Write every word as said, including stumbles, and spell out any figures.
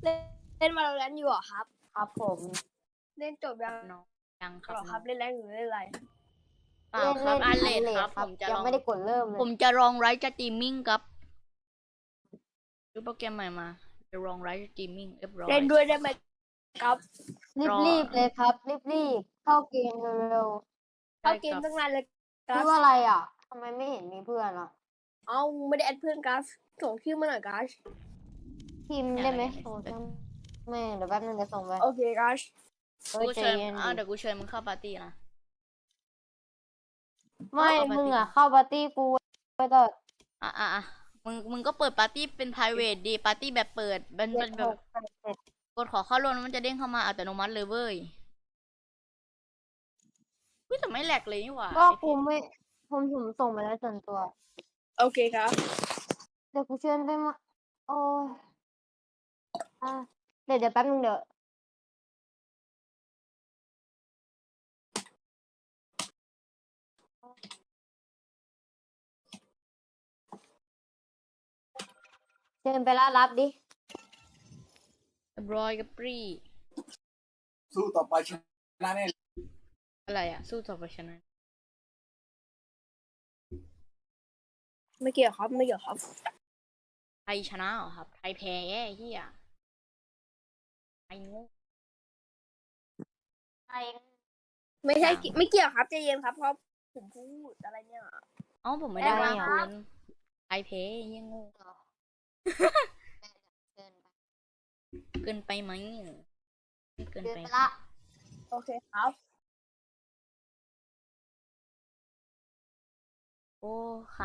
เล่นเล่นมาแล้วอยู่เหรอครับครับผมเล่นจบยังน้องยังคหรรัอบ ครับ เล่นแรงหรือเล่นอะไรเปล่าครับอันเลดครับคผรับมจะยัลงองไม่ได้กดเริ่มเลผยมจะลองไลฟ์สตรีมมิ่งครับดูโปรแกรมใหม่มาจะลองไลฟ์สตรีมมิ่งเรียบร้อยเล่นด้วยได้ไหมครับรอรีบๆเลยครับ รีบๆเข้าเกมเร็วเข้าเกมตั้งนานเลยๆกัชื่สอว่าอะไรอ่ะทำไมไม่เห็นมีเพื่อนอ่ะเอ้าไม่ได้แอดเพื่อนกัสส่งชื่อมาหน่อยกัสพิมพ์ได้ไหมโอ้ยไม่เดี๋ยวแป๊บนึงจะส่งไปโอเคกัสเฮ้ยกูใจเชิญเย็นอ่ะดิเดี๋ยวกูเชิญมึงเข้าปาร์ตี้นะไม่เข้าปาร์ตี้มึงอ่ะเข้าปาร์ตี้กูไปต่ออ่ะอ่ะอ่ะมึงมึงก็เปิดปาร์ตี้เป็น private ดีปาร์ตี้แบบเปิดมันเจ็มัดนแบหบกแปดเจ็ดกดขอเข้าร่วมแล้วมันจะเด้งเข้ามาอัตโนมัติเลยเว้ยอุ๊ยแต่ไม่แหลกเลยนี่หว่าก็กูไม่ผมผมส่งไปแล้วส่วนตัวโอเคครับเดี๋ยวกูเชิญไปมาโอ้ยอ่ะเดี๋ยวเดี๋ยวแป๊บนึงเดี๋ยวเชิญไปแล้วรับดิเรียบร้อยกับปรีสู้ต่อไปชนะแน่อะไรอ่ะ สู้ต่อไปชนะไม่เกี่ยวครับไม่เกี่ยวครับไทยชนะเหรอครับ ไทยแพ้แย่เฮียไทยโงูใครไม่ใช่กิไม่เกี่ยวครับใจเย็นครับเพราะผมพูดอะไรเนี่ยเอ้าผมไม่ได้แพ้ว่าเหรอคุณไทยแพ้เฮียโงูเชิญไปเกินไปไหมไม่เกินเชิญไปไปละโอเคครับโอ้ค่ะ